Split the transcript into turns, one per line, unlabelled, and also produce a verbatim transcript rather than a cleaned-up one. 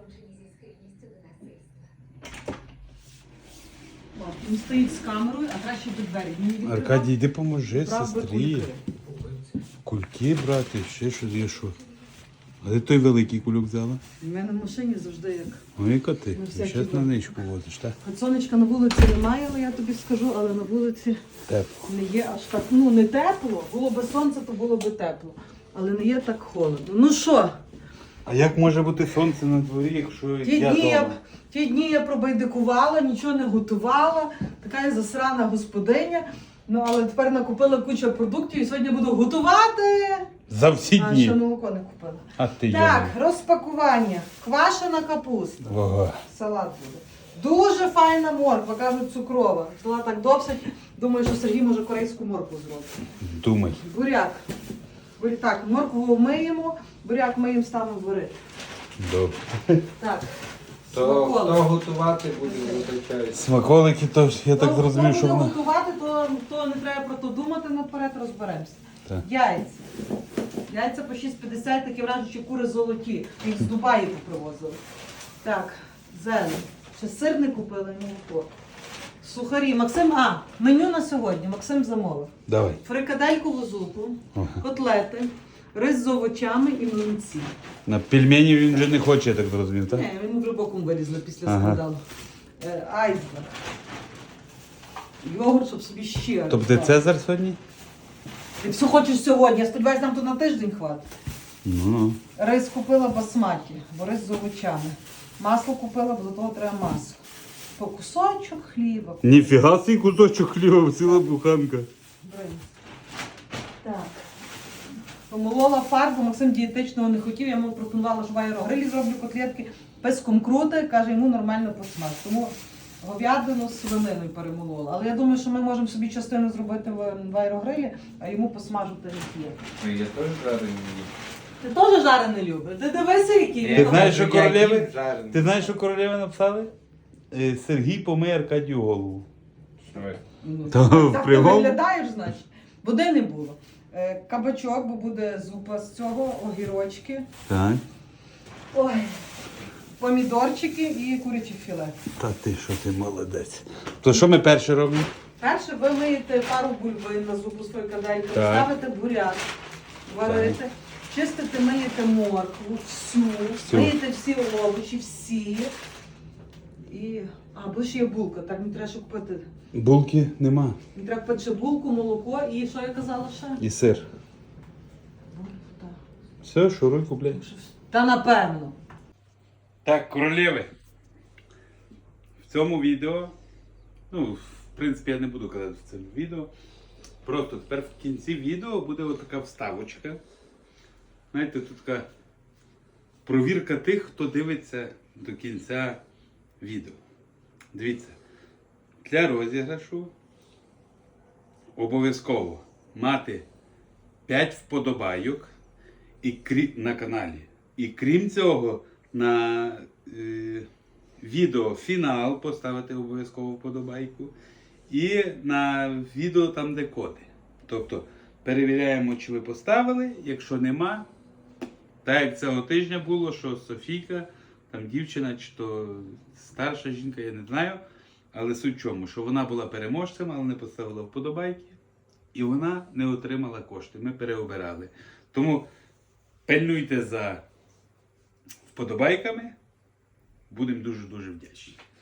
покінчені зі схильністю до насильства.
О, він стоїть з камерою, а краще до двері. Він відкривав,
Аркадій, йди поможи
брав би
сестрі.
кульки.
Кульки брати, ще щось є що. А де той великий кульок взяла?
У мене в машині завжди як.
Ну яка ти?
Ну, всякі
Зараз на
добре.
ничку возиш, так?
От сонечка на вулиці немає, але я тобі скажу, але на вулиці
Тепло.
не є аж так. Ну, не тепло. Було би сонце, то було би тепло. Але не є так холодно. Ну що,
А як може бути сонце на дворі, якщо
ті
я
дні я,
дома?
ті дні я пробайдикувала, нічого не готувала. Така я засрана господиня. Ну, але тепер накупила кучу продуктів і сьогодні буду готувати.
За всі
А,
дні.
ще молоко не купила.
А ти
Так,
йома.
розпакування. Квашена капуста.
Ого.
Салат буде. Дуже файна морква, кажуть, цукрова. Взяла так досить. Думаю, що Сергій може корейську моркву зробити.
Думай.
Буряк. Буряк. Так, моркву миємо, буряк миємо, ставимо варити.
Добре.
Так.
То хто
Смаколик.
готувати буде, вибачаюсь.
Смаколики, то ж я так
Хто-
зрозумів,
хто
що
буде
вона...
готувати, то, то не треба про то думати, наперед розберемося.
Так.
Яйця. Яйця по шість п'ятдесят, такі вражені, що кури золоті. Їх з Дубаї попривозили. Так, зелень. Ще сир не купили, молоко. Сухарі. Максим, а, меню на сьогодні. Максим замовив.
Давай.
Фрикаделькову зупу,
Ага.
котлети, рис з овочами і млинці.
На пельмені він вже не хоче, я так зрозумів, так?
Не, він в глибокому вирізали після
Ага.
скандалу. Е, айсберг. Йогурт, щоб собі ще.
Тобто Цезар сьогодні?
Ти все хочеш сьогодні, я сподіваюся, нам тут на тиждень хватить.
Ну.
Рис купила басматі, бо рис з овочами. Масло купила, бо до того треба масло. По кусочок хліба.
Ніфіга свій кусочок хліба, ціла буханка.
Бринь. Так. Помолола фарбу, Максим дієтичного не хотів, я йому пропонувала, що в аерогрилі зроблю котлетки. Песком крути, каже, йому нормально посмаж. Тому говядину з свининою перемолола. Але я думаю, що ми можемо собі частину зробити в, в аерогрилі, а йому посмажити не є.
Ну, я теж жарений їм.
Ти теж жарене любиш? Ти дивися, який
Ні,
Ти
він.
знаєш, що
я
королеви?
їм жарений.
Ти знаєш, що королеви написали? Е, Сергій помиє Аркадію голову.
Що ви?
Ну,
То
так
в
ти
прямому?
виглядаєш, значить. Води не було. Е, Кабачок, бо буде зупа з цього, огірочки.
Так.
Ой, помідорчики і куряче філе.
Та ти що ти молодець. То що ми перше робимо?
Перше ви миєте пару бульбин на зупу з фрикадельки,
Так.
ставите буряк, варите, чистите, миєте моркву, всю,
Всю.
миєте всі овочі, всі. І... А, бо ще є булка, так мені треба ще купити.
Булки нема.
Мені треба купити ще булку, молоко і що я казала ще?
І сир.
Так.
Все, шуруй, купляй.
Та напевно.
Так, королеви. В цьому відео, ну, в принципі, я не буду казати в цьому відео. Просто тепер в кінці відео буде отака вставочка. Знаєте, тут така провірка тих, хто дивиться до кінця відео. Дивіться, для розіграшу обов'язково мати п'ять вподобайок і крі... на каналі. І крім цього, на е... відео фінал поставити обов'язково вподобайку. І на відео там, де коди. Тобто перевіряємо, чи ви поставили. Якщо нема, так як цього тижня було, що Софійка, там дівчина, чи то старша жінка, я не знаю. Але суть в чому, що вона була переможцем, але не поставила вподобайки. І вона не отримала кошти. Ми переобирали. Тому пильнуйте за вподобайками. Будемо дуже-дуже вдячні.